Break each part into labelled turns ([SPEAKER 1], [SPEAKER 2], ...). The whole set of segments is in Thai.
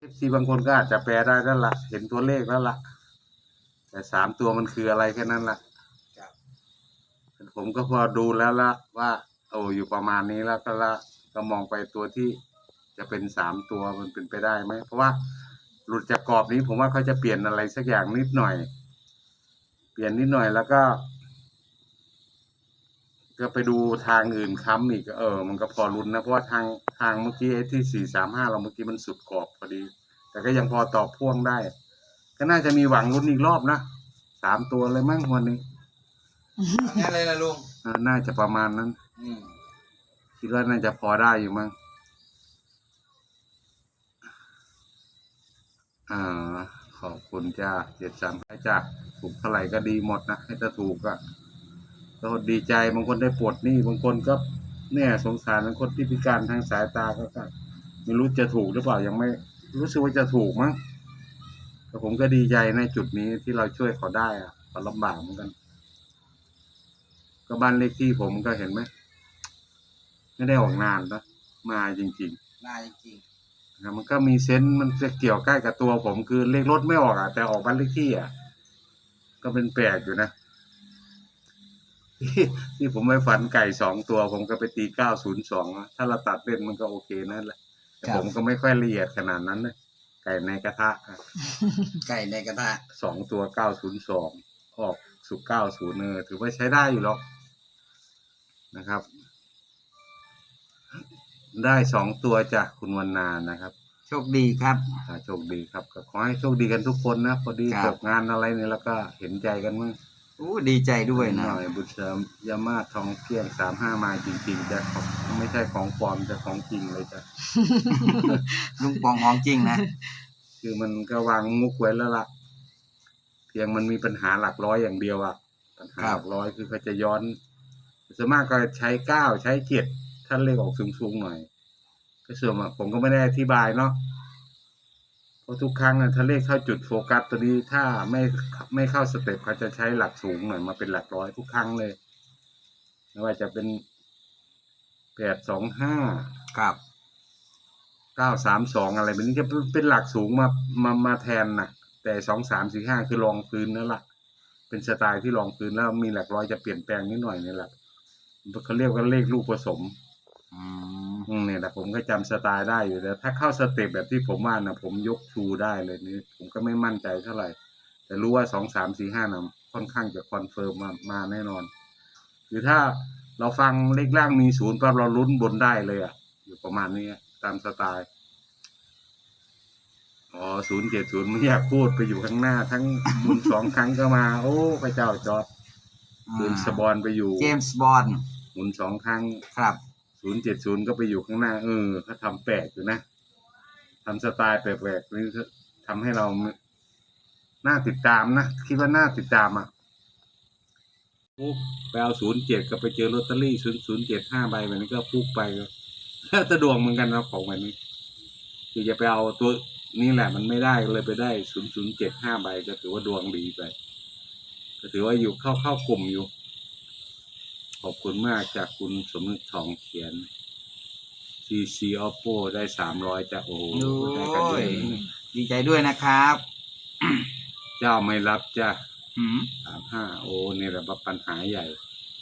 [SPEAKER 1] FC บางคนก็อาจจะแปลได้แล้วล่ะเห็นตัวเลขแล้วล่ะแต่3 ตัวมันคืออะไรแค่นั้นล่ะผมก็พอดูแล้วละว่าอยู่ประมาณนี้แล้วก็มองไปตัวที่จะเป็น3 ตัวมันเป็นไปได้ไหมเพราะว่าหลุดจากกรอบนี้ผมว่าเขาจะเปลี่ยนอะไรสักอย่างนิดหน่อยเปลี่ยนนิดหน่อยแล้วก็ไปดูทางอื่นค้ำอีกมันก็พอลุ้นนะเพราะว่าทางเมื่อกี้ที่435เราเมื่อกี้มันสุดกรอบพอดีแต่ก็ยังพอตอบพ่วงได้ก็น่าจะมีหวังลุ้นอีกรอบนะ3 ตัวเลยมั้งวันนี้
[SPEAKER 2] งั้นเลยนะลุง
[SPEAKER 1] น่าจะประมาณนั้นคิดว่าน่าจะพอได้อยู่มั้งขอบคุณจ้า735จ้าถูกเท่าไหร่ก็ดีหมดนะให้ถ้าถูกก็ดีใจบางคนได้ปลดหนี้บางคนก็เนี่ยสงสารบางคนที่พิการทางสายตาก็ไม่รู้จะถูกหรือเปล่ายังไม่รู้สึกว่าจะถูกมั้งแต่ผมก็ดีใจในจุดนี้ที่เราช่วยเขาได้ก็ลำบากเหมือนกันก็บ้านเลขที่ผมก็เห็นไหมไม่ได้ออกนานนะมาจริงๆ
[SPEAKER 2] มาจริง
[SPEAKER 1] ๆมันก็มีเซนส์มันจะเกี่ยวใกล้กับตัวผมคือเลขรถไม่ออกแต่ออกบ้านเลขที่ก็เป็นแปลกอยู่นะที่ผมไปฝันไก่2 ตัวผมก็ไปตี902ถ้าเราตัดเล่นมันก็โอเคนั่นแหละแต่ผมก็ไม่ค่อยละเอียดขนาดนั้นเลยไก่ในกระทะ
[SPEAKER 2] ไก่ในกระทะ
[SPEAKER 1] 2 ตัว902ออกสุก90ถือว่าใช้ได้อยู่หรอกนะครับได้2 ตัวจากคุณวรรณานะครับ
[SPEAKER 2] โชคดีครับ
[SPEAKER 1] โชคดีครับก็ขอให้โชคดีกันทุกคนนะพอดีตกงานอะไรเนี่ยแล้วก็เห็นใจกันมั้ง
[SPEAKER 2] ดีใจด้วยนะ
[SPEAKER 1] หน่อยบุญเสริมยามาทองเกี้ยง35มาจริงๆจะไม่ใช่ของปลอมจะของจริงเลยจ้ะ
[SPEAKER 2] ลุงปองของจริงนะ
[SPEAKER 1] คือมันก็วางมุกไว้แล้วล่ะเพียงมันมีปัญหาหลักร้อยอย่างเดียวปัญหาหลักร้อยคือเขาจะย้อนส่วนมากก็ใช้9ใช้7ท่านเลขออกสูงๆหน่อยก็ส่วนมากผมก็ไม่ได้อธิบายเนาะเพราะทุกครั้งถ้าเลขเข้าจุดโฟกัสตัวนี้ถ้าไม่เข้าสเต็ปเขาจะใช้หลักสูงหน่อยมาเป็นหลักร้อยทุกครั้งเลยไม่ว่าจะเป็น825
[SPEAKER 2] ครับ
[SPEAKER 1] 932อะไรแบบนี้จะเป็นหลักสูงมาแทนนะแต่2345คือรองพื้นนั่นแหละเป็นสไตล์ที่รองพื้นแล้วมีหลักร้อยจะเปลี่ยนแปลงนิดหน่อยนี่แหละเขาเรียกว่าเลขลูกผสมเนี่ยแต่ผมก็จำสไตล์ได้อยู่แต่ถ้าเข้าสเต็ปแบบที่ผมว่านะผมยกชูได้เลยนี่ผมก็ไม่มั่นใจเท่าไหร่แต่รู้ว่า2345นะค่อนข้างจะคอนเฟิร์มมาแน่นอนคือถ้าเราฟังเลขล่างมี0ปั๊บเราลุ้นบนได้เลยอยู่ประมาณนี้ตามสไตล์070ไม่อยากพูดไปอยู่ข้างหน้าทั้งบุญ2 ครั้งก็มาโอ้พระเจ้าจอร์จเจมส์บอนด์ไปอยู่
[SPEAKER 2] เจมส์บอนด์
[SPEAKER 1] หมุน2 ครั้ง
[SPEAKER 2] ครับ
[SPEAKER 1] 070ก็ไปอยู่ข้างหน้าเขาทำแปลกอยู่นะทำสไตล์แปลกๆนี่ทำให้เราน่าติดตามนะคิดว่าน่าติดตามปุ๊บไปเอา07ก็ไปเจอลอตเตอรี่0075ใบแบบนี้ก็ปุ๊บไปก็ตะดวงเหมือนกันนะของแบบนี้คือจะไปเอาตัวนี่แหละมันไม่ได้เลยไปได้0075ใบก็ถือว่าดวงดีไปก็ถือว่าอยู่เข้ากลุ่มอยู่ขอบคุณมากจากคุณสมนึกทองเขียน CC Oppo ได้300จากได้กันด้วย
[SPEAKER 2] ดีใจด้วยนะครับ
[SPEAKER 1] เจ้าไม่รับจ้ะ35นี่แหละปัญหาใหญ่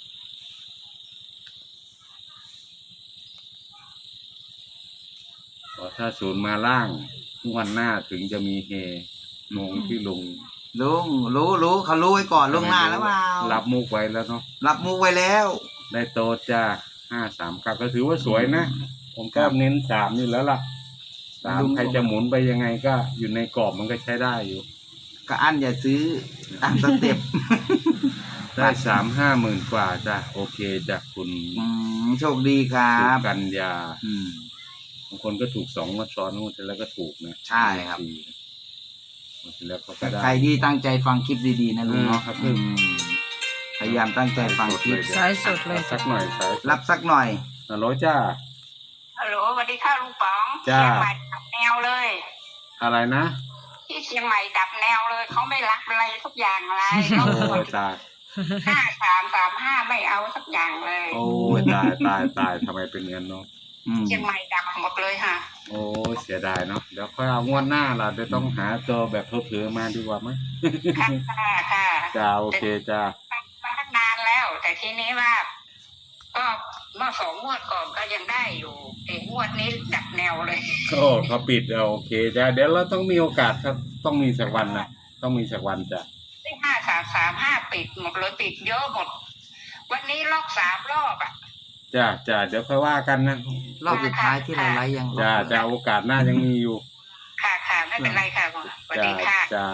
[SPEAKER 1] ถ้า0มาล่างวันหน้าถึงจะมีเฮงงที่ลุง
[SPEAKER 2] รู้เขารู้ไว้ก่อนล่วงหน้าแล้วเปล่า
[SPEAKER 1] รับมุกไว้แล้วเนาะ
[SPEAKER 2] รับมุกไว้แล้ว
[SPEAKER 1] ได้โตจ้า539ก็ถือว่าสวยนะผมก็เน้น3นี่แล้วล่ะ3ใครจะหมุนไปยังไงก็อยู่ในกรอบมันก็ใช้ได้อยู่
[SPEAKER 2] ก็อันอย่าซื้อตามสเต็ป
[SPEAKER 1] ได้50,000 กว่าจ้ะโอเคจากคุณ
[SPEAKER 2] โชคดีครับ
[SPEAKER 1] กันยาบางคนก็ถูก2 งวดซ้อนงวดแล้วก็ถูกนะ
[SPEAKER 2] ใช่ครับ
[SPEAKER 1] แล้วก็ได้
[SPEAKER 2] ใครที่ตั้งใจฟังคลิปดีๆนะลุงเนาะพยายามตั้งใจฟังคลิป
[SPEAKER 3] สายสดเลย
[SPEAKER 1] สักหน่อย
[SPEAKER 2] รับสักหน่อย
[SPEAKER 1] ฮัลโหลจ้า
[SPEAKER 3] ฮัลโหลสวัสดีค่ะลุงป๋อง
[SPEAKER 1] จ้า
[SPEAKER 3] เชียงใหม่ดับแนวเลย
[SPEAKER 1] อะไรนะ
[SPEAKER 3] ที่เชียงใหม่ดับแนวเลยเขาไม่รักอะไรทุกอย่างอะไร
[SPEAKER 1] โอ้ตาย
[SPEAKER 3] 5335ไม่เอาสักอย่างเลย
[SPEAKER 1] โอ้ตายทำไมเป็นงั้นเนาะ
[SPEAKER 3] เชียงใหม่ดับหมดเลยค่ะ
[SPEAKER 1] โอ้เสียดายเนาะเดี๋ยวค่อยเอางวดหน้าเราจะต้องหาตัวแบบเผลอๆมาดีกว่ามั้ย
[SPEAKER 3] ค่ะค่ะ
[SPEAKER 1] จ้าโอเคจ้า
[SPEAKER 3] มาตั้งนานแล้ว แต่ทีนี้ว่า ก็เมื่อ2 งวดก่อนก็ยังได้อยู่ไอ้งวดนี้ดับแนวเลย
[SPEAKER 1] โอ้เขาปิดโอเคจ้าเดี๋ยวเราต้องมีโอกาสครับต้องมีสักวันนะต้องมีสักวันจ้ะ
[SPEAKER 3] ได้5335ปิดหมดเลยปิดเยอะหมด วันนี้ล็อก3 รอบอ่ะ
[SPEAKER 1] จ้าเดี๋ยวค่อยว่ากันนะ
[SPEAKER 2] รอบสุดท้ายที่เราไลฟ์ยัง
[SPEAKER 1] จ้าโอกาสหน้ายังมีอยู่
[SPEAKER 3] ค่ะไม่เป็นไรค่ะสวัสดีค่ะ
[SPEAKER 1] จ้า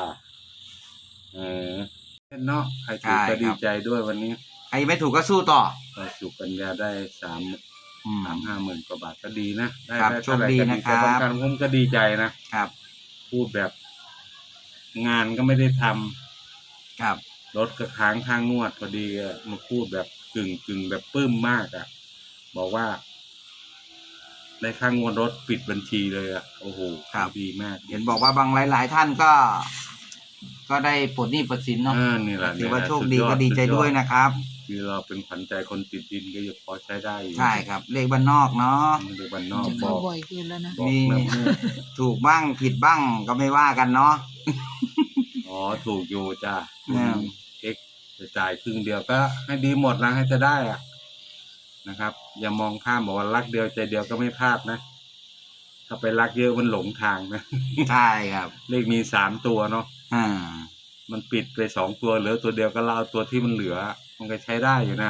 [SPEAKER 1] เนาะใครถูกก็ดีใจด้วยวันนี้
[SPEAKER 2] ใครไม่ถูกก็สู้ต่อ
[SPEAKER 1] ก็สุปัญญาได้3-5 หมื่นกว่าบาทก็ดีนะได้
[SPEAKER 2] ครับ
[SPEAKER 1] ได้
[SPEAKER 2] โชคดีนะครับ
[SPEAKER 1] แต่บางครั้งผมก็ดีใจนะครับ พูดแบบงานก็ไม่ได้ทำ
[SPEAKER 2] ครับ
[SPEAKER 1] รถก็ค้างค่างวดพอดีอะมาพูดแบบกึ่งแบบปลื้มมากอ่ะบอกว่าได้ค่างวดรถปิดบัญชีเลยอ่ะโอ้โหดีมาก
[SPEAKER 2] เห็นบอกว่าบางหลายๆท่านก็ได้ปลดหนี้ปลดสินเนาะ
[SPEAKER 1] นี่แหละ
[SPEAKER 2] ถือว่าโชคดี
[SPEAKER 1] สุยอ
[SPEAKER 2] ก็ดีใจด้วยนะครับ
[SPEAKER 1] คือเราเป็นขวัญใจคนติดดินก็ยังพอใช้ได้อยู่
[SPEAKER 2] ใช่ครับ เลขบ้านนอกเนาะ
[SPEAKER 1] เด็กบ้านนอก
[SPEAKER 4] จะ
[SPEAKER 1] บ
[SPEAKER 4] เข้า
[SPEAKER 1] อก
[SPEAKER 4] บ่อยขึ้นแล้วนะ
[SPEAKER 1] บอก
[SPEAKER 2] มี
[SPEAKER 1] แม่
[SPEAKER 2] ถูกบ้างผิดบ้างก็ไม่ว่ากันเนาะ
[SPEAKER 1] อ๋อถูกอยู่จ้า
[SPEAKER 2] อืม
[SPEAKER 1] เอ็กจะจ่ายครึ่งเดียวก็ให้ดีหมดนะให้จะได้อ่ะนะครับ อย่ามองข้ามบอกว่ารักเดียวใจเดียวก็ไม่พลาดนะถ้าไปรักเยอะมันหลงทางนะ
[SPEAKER 2] ใช่ครับ
[SPEAKER 1] เลขมี3 ตัวเนาะ
[SPEAKER 2] อ่า
[SPEAKER 1] มันปิดไป2 ตัวเหลือตัวเดียวก็เราเอาตัวที่มันเหลือ มันก็ใช้ได้อยู่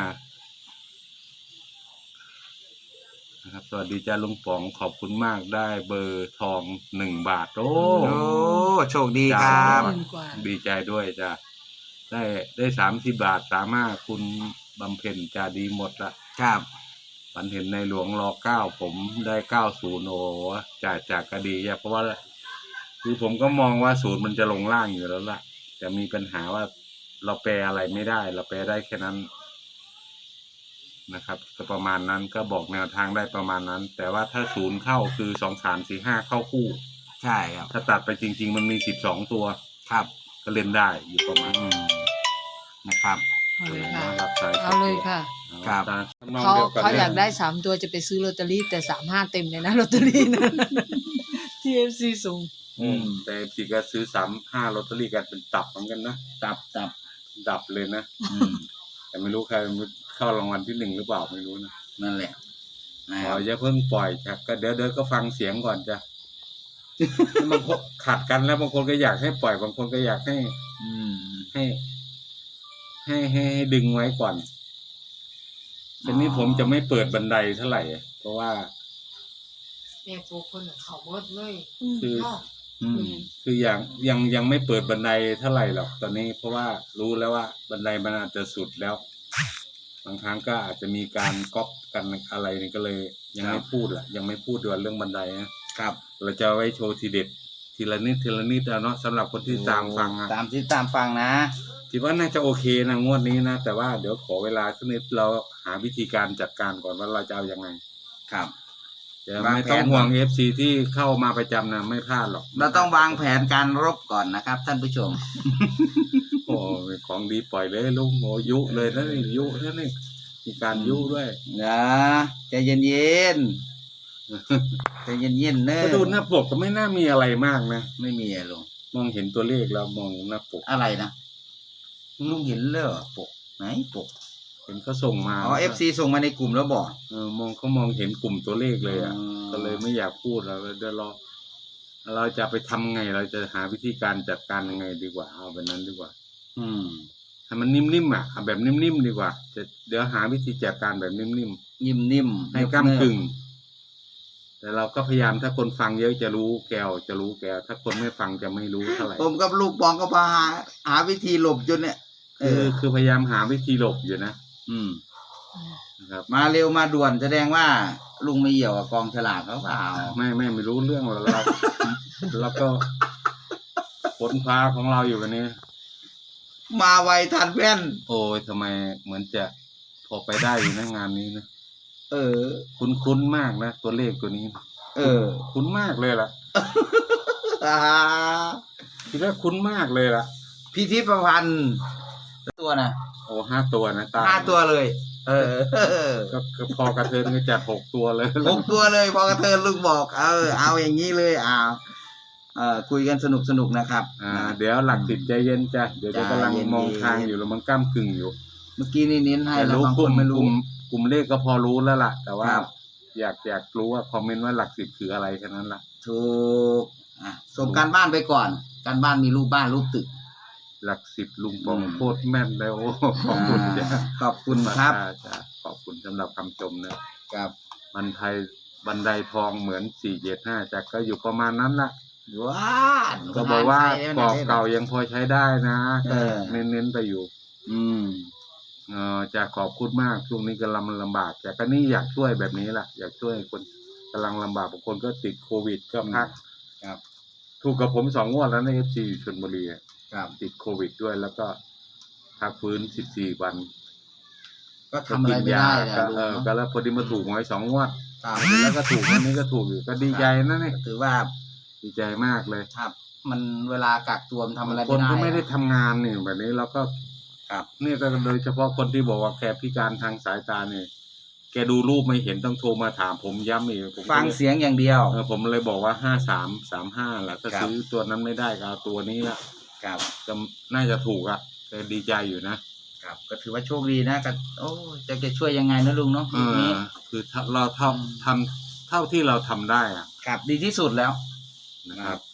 [SPEAKER 1] นะครับสวัสดีจ้าลุงป๋องขอบคุณมากได้เบอร์ทอง1 บาทโอ้
[SPEAKER 2] โอ้โชคดีครับ
[SPEAKER 4] หมื่นกว่า
[SPEAKER 1] ดีใจด้วยจ้าได้30 บาท35คุณบำเพ็ญจ้าดีหมดละ
[SPEAKER 2] ครับ
[SPEAKER 1] ฝันเห็นในหลวงร9ผมได้90โอ้จากก็ดีเพราะว่าคือผมก็มองว่า0มันจะลงล่างอยู่แล้วล่ะแต่มีปัญหาว่าเราแปลอะไรไม่ได้เราแปลได้แค่นั้นนะครับก็ประมาณนั้นก็บอกแนวทางได้ประมาณนั้น แต่ว่าถ้า0เข้าคือ2 3 4 5เข้าคู่
[SPEAKER 2] ใช่ครับ
[SPEAKER 1] ถ้าตัดไปจริงๆมันมี12 ตัว
[SPEAKER 2] ครับ
[SPEAKER 1] ก็เล่นได้อยู่ประมาณ
[SPEAKER 2] อืมนะครับ
[SPEAKER 4] เอาเลยค่ะ
[SPEAKER 1] รับสาย
[SPEAKER 4] เอาเลยค่ะ
[SPEAKER 2] ครับ
[SPEAKER 1] ทำนอง
[SPEAKER 4] เขา
[SPEAKER 1] ดีวกัน
[SPEAKER 4] เขา
[SPEAKER 1] นี่
[SPEAKER 4] อยากได้3 ตัวจะไปซื้อลอตเตอรี่แต่35เต็มเลยนะลอตเตอรี่นะ ที่FC ส่ง
[SPEAKER 1] แต่พี่ก็ซื้อ35ลอตเตอรี่กันเป็นตับเหมือนกันนะดับเลยนะ
[SPEAKER 2] อืม
[SPEAKER 1] แต่ไม่รู้ใครเข้ารางวัลที่1หรือเปล่าไม่รู้นะ
[SPEAKER 2] นั่นแหละนะ
[SPEAKER 1] ข
[SPEAKER 2] ค
[SPEAKER 1] อ
[SPEAKER 2] รับ
[SPEAKER 1] อย่าเพิ่งปล่อยครับก็เดี๋ยวก็ฟังเสียงก่อนจ้ะ บางคนขัดกันแล้วบางคนก็อยากให้ปล่อยบางคนก็อยากให้
[SPEAKER 2] อืม
[SPEAKER 1] ให้ดึงไว้ก่อนทีนี้ผมจะไม่เปิดบันไดเท่าไหร่เพราะว่า
[SPEAKER 4] แม่โฟคนเขาหมดเลย
[SPEAKER 1] คือ
[SPEAKER 2] อืม
[SPEAKER 1] คือยังไม่เปิดบันไดเท่าไหร่หรอกตอนนี้ เพราะว่ารู้แล้วว่าบันไดมันอาจจะสุดแล้ว บางครั้งก็อาจจะมีการก๊อปกันอะไรนี่ก็เลย ยังไม่พูดล่ะยังไม่พูดด้วยเรื่องบันไดนะครับเราจะไว้โชว์ทีเด็ดทีละนิดเอาเนาะสำหรับคนที่ตามฟังอะ
[SPEAKER 2] ตามที่ตามฟังนะ
[SPEAKER 1] คิดว่าน่าจะโอเคนะงวดนี้นะแต่ว่าเดี๋ยวขอเวลาสักนิดเราหาวิธีการจัดการก่อนว่าเราจะเอายังไง
[SPEAKER 2] ครับ
[SPEAKER 1] เดี๋ยว
[SPEAKER 2] วาง
[SPEAKER 1] ไม่
[SPEAKER 2] แผน
[SPEAKER 1] ต้องห่วง FC ที่เข้ามาประจำนะไม่พลาดหรอก
[SPEAKER 2] เราต้องวางแผนการรบก่อนนะครับ ท่านผู้ชม
[SPEAKER 1] โอ้ของดีปล่อยเลยลุงโอ้ยุเลยนะนี่ยุนะนี่มีการยุด้วย
[SPEAKER 2] นะใจเย็นๆใจเย็นๆเนอะ
[SPEAKER 1] ก็ดูหน้าปกก็ไม่น่ามีอะไรมากนะ
[SPEAKER 2] ไม่มีอะไรลง
[SPEAKER 1] มองเห็นตัวเลขแล้วมองหน้าปก
[SPEAKER 2] อะไรนะลุงเห็นเลยเหรอปกไหนปก
[SPEAKER 1] เห็นเขาส่งมา
[SPEAKER 2] อ๋อ FC ส่งมาในกลุ่มแล้วบอก
[SPEAKER 1] มองเห็นกลุ่มตัวเลขเลยอ่ะ
[SPEAKER 2] อืม
[SPEAKER 1] ก็เลยไม่อยากพูดแล้วเดี๋ยวเราจะไปทำไงเราจะหาวิธีการจัดการยังไงดีกว่าเอาแบบนั้นดีกว่า
[SPEAKER 2] อืม
[SPEAKER 1] ให้มันนิ่มๆอ่ะเอาแบบนิ่มๆดีกว่าเดี๋ยวหาวิธีจัดการแบบนิ่ม
[SPEAKER 2] นิ่ม
[SPEAKER 1] ๆ
[SPEAKER 2] ๆ
[SPEAKER 1] ให้ก้ำกึ่ง แต่เราก็พยายามถ้าคนฟังเยอะจะรู้แกวถ้าคนไม่ฟังจะไม่รู้เท่าไหร่
[SPEAKER 2] ผมกับลูกปองก็พาหาวิธีหลบจนเนี่ย
[SPEAKER 1] คือพยายามหาวิธีหลบอยู่นะ
[SPEAKER 2] อืม
[SPEAKER 1] นะครับ
[SPEAKER 2] มาเร็วมาด่วนแสดงว่าลุงไม่เหี่ยวกับกองฉลากเขาเปล่า
[SPEAKER 1] ไม่รู้เรื่องหรอกเราก็ค้นคว้าของเราอยู่กันนี้
[SPEAKER 2] มาไวทันแว่น
[SPEAKER 1] โอ้ยทำไมเหมือนจะพอไปได้อยู่นะงานนี้นะ
[SPEAKER 2] เออ
[SPEAKER 1] คุ้นมากนะตัวเลขตัวนี้
[SPEAKER 2] เออ
[SPEAKER 1] คุ้นมากเลยล่ะคิดว่าคุ้นมากเลยล่ะ
[SPEAKER 2] พิธีประพันธ์ตัวนะ
[SPEAKER 1] โอ้5 ตัวนะตา
[SPEAKER 2] 5 ตัวเลย
[SPEAKER 1] ก็พอกระเทินก็จัด6 ตัวเลย
[SPEAKER 2] 6 ตัวเลยพอกระเทินลุงบอกเอาอย่างนี้เลยคุยกันสนุกนะครับ
[SPEAKER 1] เดี๋ยวหลัก10ใจเย็นจ้ะเดี๋ยวจะกำลังมองทางอยู่แล้วมันก้ำกึ่งอยู่
[SPEAKER 2] เมื่อกี้นี่เน้นให้
[SPEAKER 1] แต่
[SPEAKER 2] แล้ว
[SPEAKER 1] รู้
[SPEAKER 2] บาง
[SPEAKER 1] ก
[SPEAKER 2] ค
[SPEAKER 1] ลุ่
[SPEAKER 2] น
[SPEAKER 1] ม
[SPEAKER 2] ไม่รู้
[SPEAKER 1] กลุ่มเลขก็พอรู้แล้วล่ะ แต่ว่า
[SPEAKER 2] ครับ
[SPEAKER 1] อยากรู้ว่าคอมเมนต์ว่าหลัก10คืออะไรแค่นั้นล่ะ
[SPEAKER 2] ถูกส่งการบ้านไปก่อน การบ้านมีรูปบ้านรูปตึก
[SPEAKER 1] หลัก10ลุงปองโคตรแม่นเลยโอ้ขอบคุณจ้ะ
[SPEAKER 2] ขอบคุณครับ
[SPEAKER 1] จ้ะขอบคุณสำหรับคำชมนะครับ มันไทยบันไดทองเหมือน475จ้ะก็อยู่ประมาณนั้นล่ะ
[SPEAKER 2] ว้า
[SPEAKER 1] ก็บอกว่าก
[SPEAKER 2] ร
[SPEAKER 1] รอบเก่ายังพอใช้ได้นะก็
[SPEAKER 2] เออ
[SPEAKER 1] เน้นๆไปอยู่
[SPEAKER 2] อืม
[SPEAKER 1] จะขอบคุณมากช่วงนี้กำลังลำบากแต่ก็นี่อยากช่วยแบบนี้แหละอยากช่วยคนกำลังลำบากบางคนก็ติดโควิดก็พัก
[SPEAKER 2] ครับ
[SPEAKER 1] ถูกกับผม2 งวดแล้วใน FC อยู่ชลบุรีอะ
[SPEAKER 2] ครับ
[SPEAKER 1] ติดโควิดด้วยแล้วก็พักฟื้น14 วัน
[SPEAKER 2] ก็ทำอะไรไม่ได้นะ
[SPEAKER 1] ก็
[SPEAKER 2] ลุง
[SPEAKER 1] ก็
[SPEAKER 2] เนาะ
[SPEAKER 1] แล้วพอดีมาถูกหวย2 งวด
[SPEAKER 2] ครับ
[SPEAKER 1] แล้วก็ถูกวันนี้ก็ถูกอยู่ก็ดีใจนะเนี่ย
[SPEAKER 2] ถือว่า
[SPEAKER 1] ดีใจมากเลย
[SPEAKER 2] ครับ มันเวลากักตัวมันทำอะไร
[SPEAKER 1] คน
[SPEAKER 2] ไม่ได้
[SPEAKER 1] ก็ไม่ได้ทำงานนี่แบบนี้เราก็
[SPEAKER 2] ครับ
[SPEAKER 1] นี่ก็โดยเฉพาะคนที่บอกว่าแกพิการทางสายตาเนี่ยแกดูรูปไม่เห็นต้องโทรมาถามผมย้ำอีกผมก็
[SPEAKER 2] ฟังเสียงอย่างเดียว
[SPEAKER 1] ผมเลยบอกว่า5335แหละถ้า
[SPEAKER 2] ครับ
[SPEAKER 1] ซื้อตัวนั้นไม่ได้ก็เอาตัวนี้ละ
[SPEAKER 2] ครับ
[SPEAKER 1] ก็น่าจะถูกอ่ะแต่ดีใจอยู่นะ
[SPEAKER 2] ครับก็ถือว่าโชคดีนะก็โอ้จะช่วยยังไงนะลุงเนาะยุคนี้
[SPEAKER 1] คือถ้าเราทำเท่าที่เราทำได้อ่ะ
[SPEAKER 2] ครับดีที่สุดแล้ว
[SPEAKER 1] นะครับ